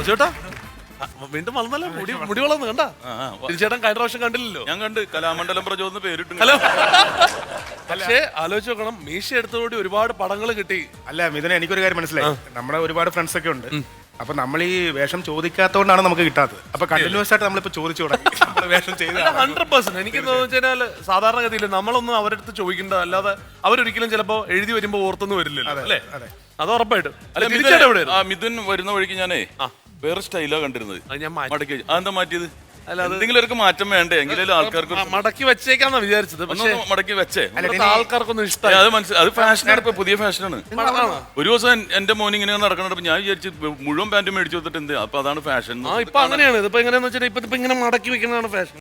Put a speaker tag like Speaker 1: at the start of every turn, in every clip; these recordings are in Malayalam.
Speaker 1: ചേട്ടാ വീണ്ടും വളർന്നല്ലോ, മുടി വളർന്നു കണ്ടാ. ചേട്ടൻ കഴിഞ്ഞ പ്രാവശ്യം കണ്ടില്ലല്ലോ.
Speaker 2: ഞാൻ കണ്ട് കലാമണ്ഡലം പ്രചോദന പേരിട്ടു.
Speaker 1: ഹലോ. പക്ഷേ ആലോചിച്ച് നോക്കണം, മീശ എടുത്തോടി ഒരുപാട് പടങ്ങൾ കിട്ടി.
Speaker 3: അല്ല മിഥുന, എനിക്കൊരു കാര്യം മനസ്സിലായി. നമ്മുടെ ഒരുപാട് ഫ്രണ്ട്സ് ഒക്കെ ഉണ്ട്. അപ്പൊ നമ്മൾ ഈ വേഷം ചോദിക്കാത്തോണ്ടാണ് നമുക്ക് കിട്ടാത്തത്. അപ്പൊ കണ്ടിന്യൂസ് ആയിട്ട് നമ്മളിപ്പോ ചോദിച്ചു തുടങ്ങി വേഷം ചെയ്ത
Speaker 1: 100%. എനിക്ക് വെച്ചാൽ സാധാരണഗതിയിൽ നമ്മളൊന്നും അവരുടെ അടുത്ത് ചോദിക്കേണ്ട, അല്ലാതെ അവരൊരിക്കലും ചിലപ്പോ എഴുതി വരുമ്പോ ഓർത്തൊന്നും വരില്ലല്ലോ അല്ലേ? അത് ഉറപ്പായിട്ടും.
Speaker 2: മിഥുൻ വരുന്ന വഴിക്ക് ഞാനേ വേറെ സ്റ്റൈലാ കണ്ടിരുന്നത്.
Speaker 1: ഞാൻ
Speaker 2: മടക്കി അതെന്താ മാറ്റിയത്? എന്തെങ്കിലും മാറ്റം വേണ്ടേ? എങ്കിലും ആൾക്കാർക്ക്
Speaker 1: മടക്കി വെച്ചേക്കാന്നാ വിചാരിച്ചത്. പക്ഷേ
Speaker 2: മടക്കി വെച്ചേ
Speaker 1: ആൾക്കാർക്കൊന്നും ഇഷ്ടമായി.
Speaker 2: അത് മനസ്സിലായി. അത് ഫാഷനാണ്, ഇപ്പൊ പുതിയ ഫാഷനാണ്. ഒരു ദിവസം എന്റെ മോൻ ഇങ്ങനെ നടക്കണപ്പോ ഞാൻ വിചാരിച്ചു മുഴുവൻ പാന്റും മേടിച്ചു കൊടുത്തിട്ട് എന്ത്, അപ്പൊ അതാണ് ഫാഷൻ.
Speaker 1: ഇപ്പൊ അങ്ങനെയാണ്. ഇതിപ്പോ എങ്ങനെയാന്ന് വെച്ചാൽ ഇപ്പൊ ഇങ്ങനെ മടക്കി വെക്കുന്നതാണ് ഫാഷൻ.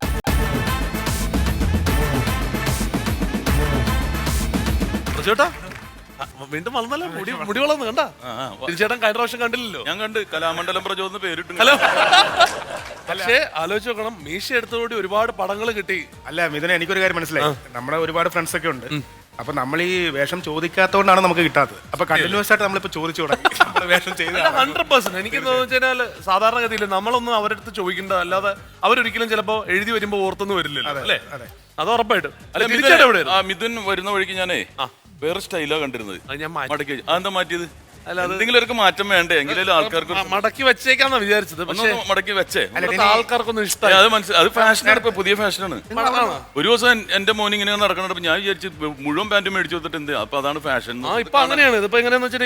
Speaker 1: ചേട്ടാ വീണ്ടും വളർന്നല്ലോ, മുടി വളർന്നു കണ്ടാ. ചേട്ടൻ കഴിഞ്ഞ പ്രാവശ്യം കണ്ടില്ലല്ലോ.
Speaker 2: ഞാൻ കണ്ട് കലാമണ്ഡലം പ്രചോദന പേരിട്ടു.
Speaker 1: ഹലോ. പക്ഷേ ആലോചിച്ച് നോക്കണം, മീശ എടുത്തോടി ഒരുപാട് പടങ്ങൾ കിട്ടി.
Speaker 3: അല്ല മിഥുന, എനിക്കൊരു കാര്യം മനസ്സിലായി. നമ്മുടെ ഒരുപാട് ഫ്രണ്ട്സ് ഒക്കെ ഉണ്ട്. അപ്പൊ നമ്മൾ ഈ വേഷം ചോദിക്കാത്തോണ്ടാണ് നമുക്ക് കിട്ടാത്തത്. അപ്പൊ കണ്ടിന്യൂസ് ആയിട്ട് നമ്മളിപ്പോ ചോദിച്ചു തുടങ്ങി വേഷം ചെയ്ത
Speaker 1: 100%. എനിക്ക് വെച്ചാൽ സാധാരണഗതിയിൽ നമ്മളൊന്നും അവരുടെ അടുത്ത് ചോദിക്കേണ്ട, അല്ലാതെ അവരൊരിക്കലും ചിലപ്പോ എഴുതി വരുമ്പോ ഓർത്തൊന്നും വരില്ലല്ലോ അല്ലേ? അത് ഉറപ്പായിട്ടും.
Speaker 2: മിഥുൻ വരുന്ന വഴിക്ക് ഞാനേ വേറെ സ്റ്റൈലാ കണ്ടിരുന്നത്.
Speaker 1: ഞാൻ
Speaker 2: മടക്കി അതെന്താ മാറ്റിയത്? എന്തെങ്കിലും മാറ്റം വേണ്ടേ? എങ്കിലും ആൾക്കാർക്ക്
Speaker 1: മടക്കി വെച്ചേക്കാന്നാ വിചാരിച്ചത്. പക്ഷേ
Speaker 2: മടക്കി വെച്ചേ
Speaker 1: ആൾക്കാർക്കൊന്നും ഇഷ്ടമായി.
Speaker 2: അത് മനസ്സിലായി. അത് ഫാഷനാണ്, ഇപ്പൊ പുതിയ ഫാഷനാണ്. ഒരു ദിവസം എന്റെ മോൻ ഇങ്ങനെ നടക്കണപ്പോ ഞാൻ വിചാരിച്ചു മുഴുവൻ പാന്റും മേടിച്ചു കൊടുത്തിട്ട് എന്ത്, അപ്പൊ അതാണ് ഫാഷൻ.
Speaker 1: ഇപ്പൊ അങ്ങനെയാണ്. ഇതിപ്പോ എങ്ങനെയാന്ന് വെച്ചാൽ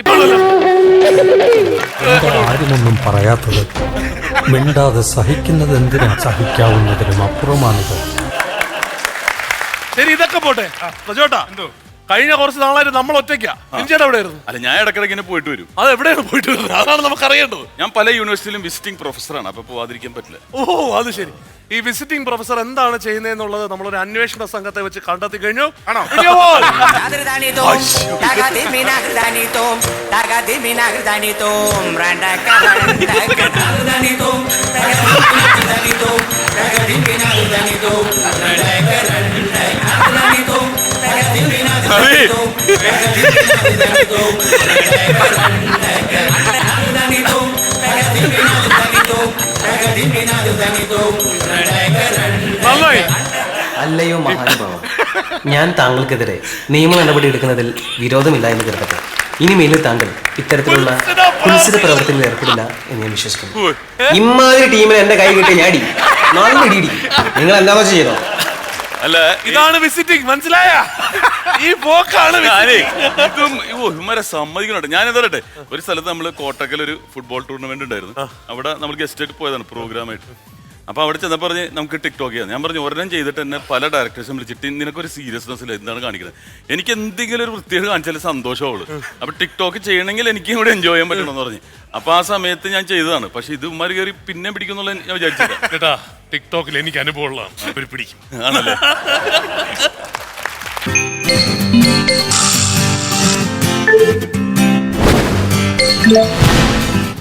Speaker 4: ആരുമൊന്നും പറയാത്തത് മിണ്ടാതെ സഹിക്കുന്നത് എന്തിനാ, സഹിക്കാവുന്നതിനും അപ്പുറമാണിത്.
Speaker 1: ശരി, ഇതൊക്കെ പോട്ടെ. പ്രജോട്ടാ, കഴിഞ്ഞ കുറച്ച് നാളായിട്ട് നമ്മൾ ഒറ്റയ്ക്കാ. ചേട്ടാ എവിടെയായിരുന്നു?
Speaker 2: അല്ല, ഞാൻ ഇടയ്ക്കിടയ്ക്ക് ഇങ്ങനെ പോയിട്ട് വരും.
Speaker 1: അത് എവിടെയാണ് പോയിട്ട് വരുന്നത്? അതാണ് നമുക്ക് അറിയേണ്ടത്.
Speaker 2: ഞാൻ പല യൂണിവേഴ്സിറ്റിയിലും വിസിറ്റിംഗ് പ്രൊഫസറാണ്. അപ്പൊ പോവാതിരിക്കാൻ പറ്റില്ല.
Speaker 1: ഓ, അത് ശരി. ഈ വിസിറ്റിംഗ് പ്രൊഫസർ എന്താണ് ചെയ്യുന്നതെന്നുള്ളത് നമ്മളൊരു അന്വേഷണ സംഘത്തെ വെച്ച് കണ്ടെത്തി കഴിഞ്ഞു. ആണോ?
Speaker 5: അല്ലയോ മഹാനുഭാവം, ഞാൻ താങ്കൾക്കെതിരെ നിയമ നടപടി എടുക്കുന്നതിൽ വിരോധമില്ല എന്ന് കരുതട്ടെ. ഇനിമേലും താങ്കൾ ഇത്തരത്തിലുള്ള കുൽസിത പ്രവർത്തനത്തിൽ ഏർപ്പെടില്ല എന്ന് ഞാൻ വിശ്വസിക്കുന്നു. ഇമ്മാതിരി ടീമിൽ എന്റെ കൈ കിട്ടിയ ഞാടി നല്ല ഇടിയിടി. നിങ്ങൾ എന്താണോ ചെയ്തോ?
Speaker 2: അല്ല,
Speaker 1: ഇതാണ് വിസിറ്റിംഗ്, മനസ്സിലായ? ഈ പോക്കാണ്
Speaker 2: ഇവരെ സമ്മതിക്കണോട്ടെ. ഞാൻ എന്താ പറയട്ടെ, ഒരു സ്ഥലത്ത് നമ്മള് കോട്ടക്കൽ ഒരു ഫുട്ബോൾ ടൂർണമെന്റ് ഉണ്ടായിരുന്നു. അവിടെ നമ്മൾ ഗസ്റ്റ് ആയിട്ട് പോയതാണ് പ്രോഗ്രാമായിട്ട്. അപ്പൊ അവിടെ ചെന്നപ്പോ പറഞ്ഞ് നമുക്ക് ടിക്ടോക്ക് ചെയ്യാം. ഞാൻ പറഞ്ഞു ഒരെണ്ണം ചെയ്തിട്ട് തന്നെ പല ഡയറക്ടേഴ്സും വിളിച്ചിട്ട് നിനക്കൊരു സീരിയസ്നെസ് ഇല്ല, എന്താണ് കാണിക്കുന്നത്? എനിക്ക് എന്തെങ്കിലും ഒരു വൃത്തിയോട് കാണിച്ചാൽ സന്തോഷമുള്ളൂ. അപ്പൊ ടിക്ടോക്ക് ചെയ്യണമെങ്കിൽ എനിക്കും കൂടെ എൻജോയ് ചെയ്യാൻ പറ്റണമെന്ന് പറഞ്ഞു. അപ്പൊ ആ സമയത്ത് ഞാൻ ചെയ്തതാണ്. പക്ഷെ ഇത് ഉമ്മാര് കയറി പിന്നെ പിടിക്കുന്നുള്ള ഞാൻ വിചാരിച്ചില്ല.
Speaker 1: കേട്ടാ, ടിക്ടോക്കിൽ എനിക്ക് അനുഭവമുള്ളതാണ്. അവർ പിടിക്കും.
Speaker 2: ആണല്ലേ?